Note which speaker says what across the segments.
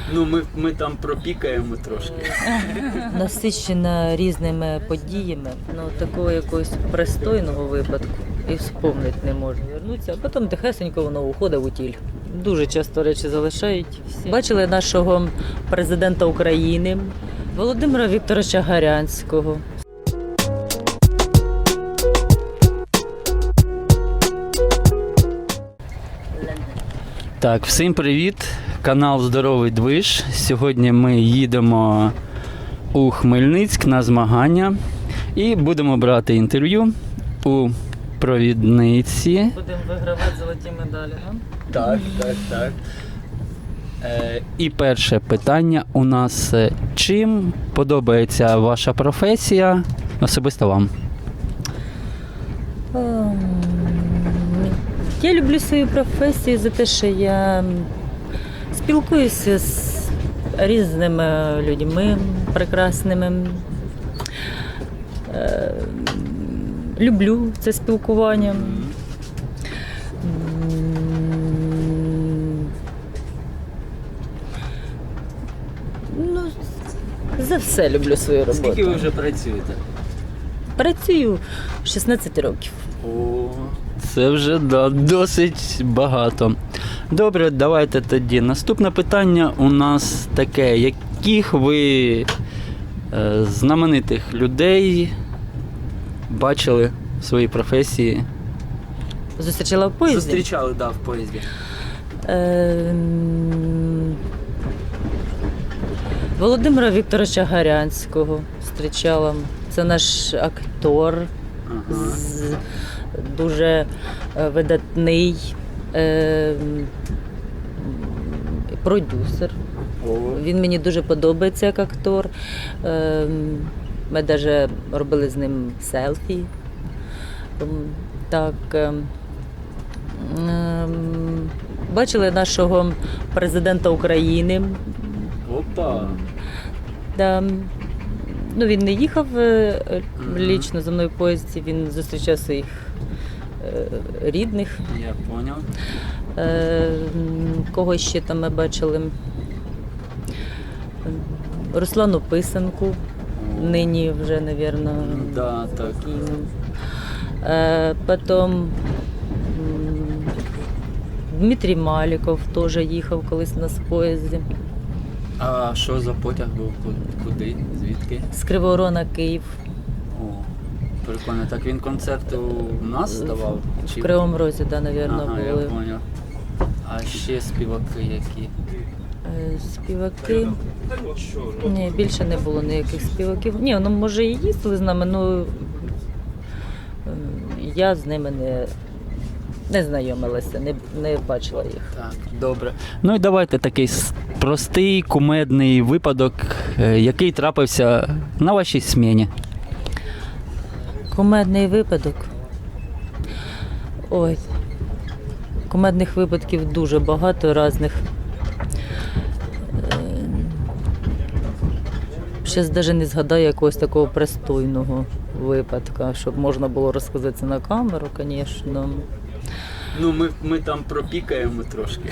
Speaker 1: Ну, ми там пропікаємо трошки.
Speaker 2: Насичена різними подіями, ну такого якогось пристойного випадку і вспомнити не можу. Вернуться, а потім тихесенько воно уходить у тіль. Дуже часто речі залишають. Бачили нашого президента України Володимира Вікторовича Гарянського.
Speaker 1: Так, всім привіт! Канал Здоровий Движ. Сьогодні ми їдемо у Хмельницьк на змагання і будемо брати інтерв'ю у провідниці.
Speaker 2: Будемо вигравати золоті медалі,
Speaker 1: Так. І перше питання у нас: чим подобається ваша професія особисто вам?
Speaker 2: Я люблю свою професію за те, що я спілкуюся з різними людьми прекрасними. Люблю це спілкування. Ну, за все люблю свою роботу.
Speaker 1: Скільки ви вже працюєте?
Speaker 2: Працюю 16 років.
Speaker 1: О, це вже досить багато. Добре, давайте тоді. Наступне питання у нас таке: яких ви знаменитих людей бачили в своїй професії?
Speaker 2: Зустрічала в поїзді?
Speaker 1: Зустрічали, в поїзді.
Speaker 2: Володимира Вікторовича Гарянського зустрічала. Це наш актор, дуже видатний продюсер. Він мені дуже подобається як актор. Ми навіть робили з ним селфі. Так. Бачили нашого президента України.
Speaker 1: Опа!
Speaker 2: Да. Ну, він не їхав лічно за мною в поїзді, він зустрічав своїх рідних.
Speaker 1: Я поняв.
Speaker 2: Кого ще там ми бачили? Руслану Писанку, нині вже, мабуть,
Speaker 1: Да, так.
Speaker 2: Потім Дмитрій Маліков теж їхав колись у нас в поїзді.
Speaker 1: А що за потяг був? Куди? Звідки?
Speaker 2: З Кривого Рогу на Київ.
Speaker 1: О, прикольно. Так він концерт у нас давав?
Speaker 2: В Кривому Розі, так, мабуть,
Speaker 1: Ага, я
Speaker 2: були.
Speaker 1: поняв. А ще співаки які?
Speaker 2: Співаки. Ні, більше не було ніяких співаків. Ні, ну може і їздили з нами, але я з ними не знайомилася, не бачила їх.
Speaker 1: Так, добре. Ну і давайте такий простий, кумедний випадок, який трапився на вашій сміні.
Speaker 2: Кумедний випадок. Ой, кумедних випадків дуже багато різних. Зараз навіть не згадаю якогось такого пристойного випадка, щоб можна було розказати це на камеру, звісно.
Speaker 1: Ну, ми там пропікаємо трошки.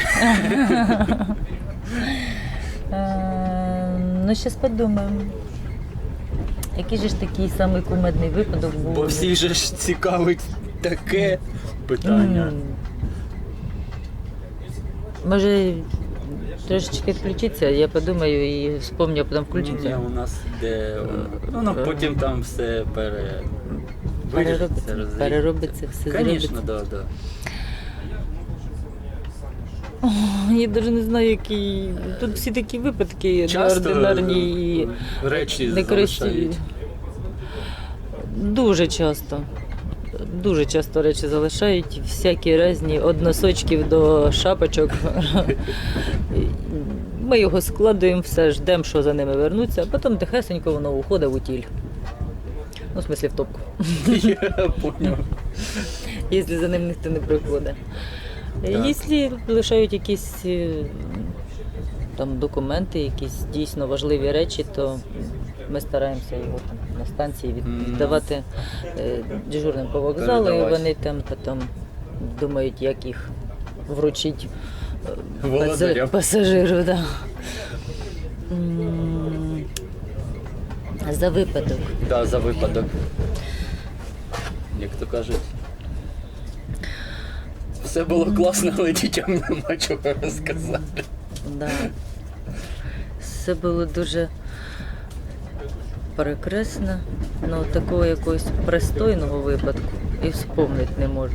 Speaker 2: Ну, зараз подумаємо. Який же ж такий самий кумедний випадок був?
Speaker 1: Бо всіх же ж цікавить таке питання.
Speaker 2: Може, трошечки включитися, я подумаю і вспомню, а потім включиться.
Speaker 1: Ні, у нас де... Ну, потім там все вирішиться,
Speaker 2: переробиться, все зробиться.
Speaker 1: Звісно, да.
Speaker 2: Я навіть не знаю, які... Тут всі такі випадки неординарні і
Speaker 1: речі
Speaker 2: некрасиві.
Speaker 1: залишають.
Speaker 2: Дуже часто речі залишають, всякі різні, від носочків до шапочок. Ми його складуємо, все, ждемо, що за ними вернуться, а потім тихесенько воно уходить у тіль. Ну, в смислі, в топку.
Speaker 1: Я поняв.
Speaker 2: Якщо за ним ніхто не приходить. Якщо лишають якісь там документи, якісь дійсно важливі речі, то ми стараємося його там на станції віддавати дежурним по вокзалу, і вони там потім думають, як їх вручити пасажиру. Да. За випадок.
Speaker 1: Да, за випадок. Як то кажуть. Все було класно, але дітям нема чого розказати.
Speaker 2: Да. Все було дуже прекрасно, але такого якогось пристойного випадку і вспомнити не можу.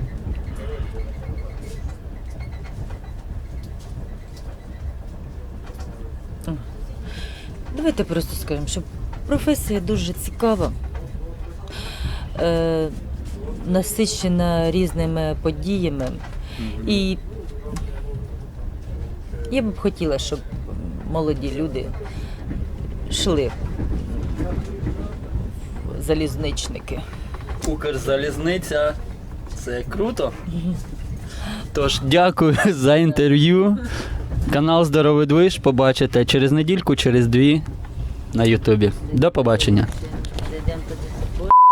Speaker 2: Давайте просто скажемо, що професія дуже цікава, насичена різними подіями. І я б хотіла, щоб молоді люди йшли в залізничники.
Speaker 1: Укрзалізниця. Це круто. Тож, дякую за інтерв'ю. Канал Здоровий Движ побачите через недільку, через 2 на Ютубі. До побачення.
Speaker 2: Зайдемо туди.